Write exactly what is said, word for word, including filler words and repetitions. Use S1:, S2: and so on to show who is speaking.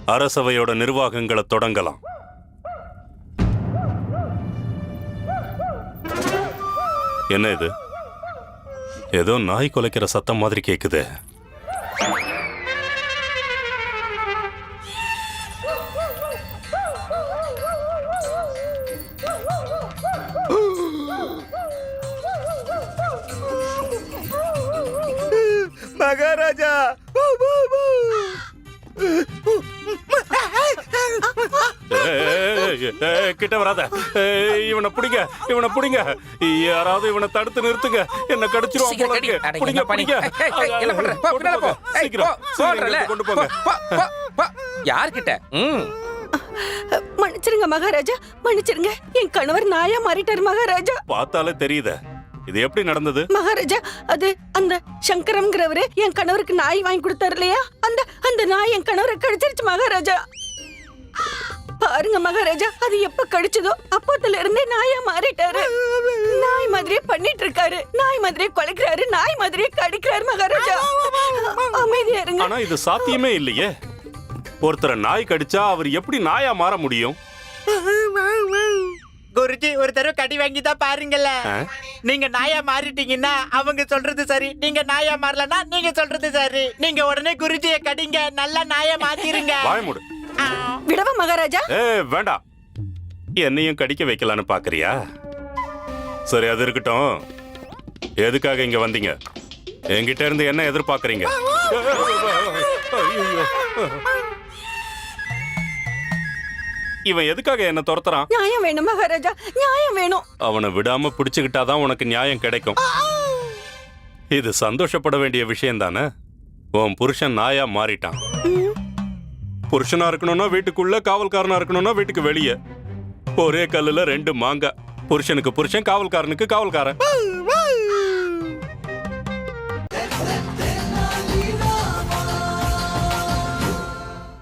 S1: அரசவையோட நிர்வாகங்களை தொடங்கலாம். என்ன இது? ஏதோ நாய் குலைக்கிற சத்தம் மாதிரி கேக்குது.
S2: மகாராஜா,
S1: கிட்ட வராத. இவனை பிடிங்க, இவனை பிடிங்க. யாராவது இவனை தடுத்து நிறுத்துங்க. என்ன கடிச்சிருவான் போல இருக்கு. பிடிங்க, பிடிங்க.
S3: என்ன பண்ற? போ, பின்னால போ.
S1: சீக்கிரம், சீக்கிரம் கொண்டு போங்க.
S3: யார்கிட்ட?
S4: மன்னிச்சிருங்க மகாராஜா, மன்னிச்சிருங்க. என் கணவர் நாயா மாறிட்டாரு மகாராஜா.
S1: பார்த்தாலே தெரியுது. இது எப்படி நடந்தது?
S4: மகாராஜா, அது அந்த சங்கரம்ங்கிறவரு என் கணவருக்கு நாய் வாங்கி கொடுத்தாரு இல்லையா, அந்த அந்த நாய் என் கணவரை கடிச்சிருச்சு மகாராஜா. பாருங்க மகாராஜா, அது எப்ப கடிச்சதோ அப்போத்துல இருந்தே நாயா மாறிட்டாரு. நாய் மாதிரியே பண்ணிட்டு இருக்காரு, நாய் மாதிரியே கொலைக்கிறாரு, நாய் மாதிரியே கடிக்கிறாரு மகாராஜா. அமைதியா இருங்க.
S1: ஆனா இது சாத்தியமே இல்லையே. ஒருத்தரை நாய் கடிச்சா அவர் எப்படி நாயா மாற முடியும்?
S2: குருஜி, ஒரு தடவை கடி வாங்கி தான் பாருங்கல்ல. நீங்க நாயா மாறிட்டீங்கன்னா அவங்க சொல்றது சரி, நீங்க நாயா மாறலன்னா நீங்க சொல்றது சரி. நீங்க உடனே குருஜியை கடிங்க, நல்லா நாயா மாத்திருங்க.
S1: வாய மூடு.
S4: விடவா மகாராஜா?
S1: ஏ வேண்டாம். என்னையும் கடிக்க வைக்கலான்னு பாக்குறியா? சரி, அது இருக்கட்டும். எதுக்காக இங்க வந்தீங்க? என்கிட்ட இருந்து என்ன எதிர்பார்க்கறீங்க? இவன் எதுக்காக என்ன துரத்துறான்?
S4: நியாயம் வேணும் மகாராஜா, நியாயம் வேணும்.
S1: அவனை விடாம பிடிச்சுக்கிட்டாதான் உனக்கு நியாயம் கிடைக்கும். இது சந்தோஷப்பட வேண்டிய விஷயம் தானே. உன் புருஷன் நாயா மாறிட்டான். புருஷனா இருக்கணும்னா வீட்டுக்குள்ள, காவல்காரனா இருக்கணும்னா வீட்டுக்கு வெளியே. ஒரே கல்லுல ரெண்டு மாங்காய். புருஷனுக்கு புருஷன், காவல்காரனுக்கு காவல்காரன்.